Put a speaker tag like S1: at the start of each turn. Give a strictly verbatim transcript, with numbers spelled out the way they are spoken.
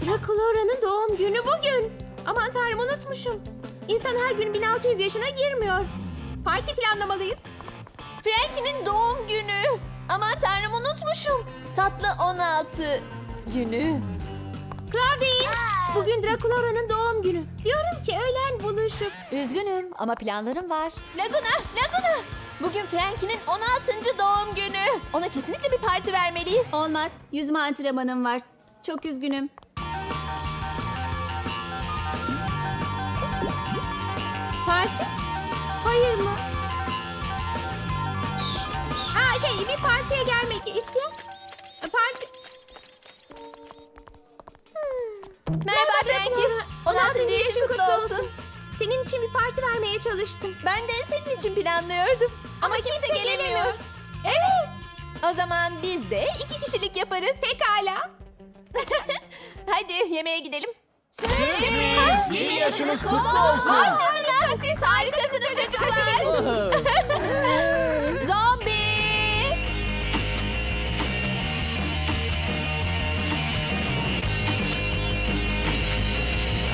S1: Draculaura'nın doğum günü bugün. Aman tanrım, unutmuşum. İnsan her gün bin altı yüz yaşına girmiyor. Parti planlamalıyız.
S2: Frankie'nin doğum günü. Aman tanrım, unutmuşum. Tatlı on altı günü.
S1: Claudine, bugün Draculaura'nın doğum günü. Diyorum ki öğlen buluşup...
S2: Üzgünüm ama planlarım var. Laguna, Laguna. Bugün Frankie'nin on altıncı doğum günü. Ona kesinlikle bir parti vermeliyiz.
S1: Olmaz, yüzme antrenmanım var. Çok üzgünüm. Parti? Hayır mı? Aa, şey, bir partiye gelmek isteyen... Parti... Hmm.
S2: Merhaba Frankie. on altıncı yaşın kutlu olsun.
S1: Senin için bir parti vermeye çalıştım.
S2: Ben de senin için planlıyordum. Ama, kimse, gelemiyor.
S1: Evet.
S2: O zaman biz de iki kişilik yaparız.
S1: Pekala.
S2: Hadi yemeğe gidelim.
S3: Sürpriz! Yeni yaşınız kutlu olsun.
S2: Vay canına, siz harikasınız çocuklar.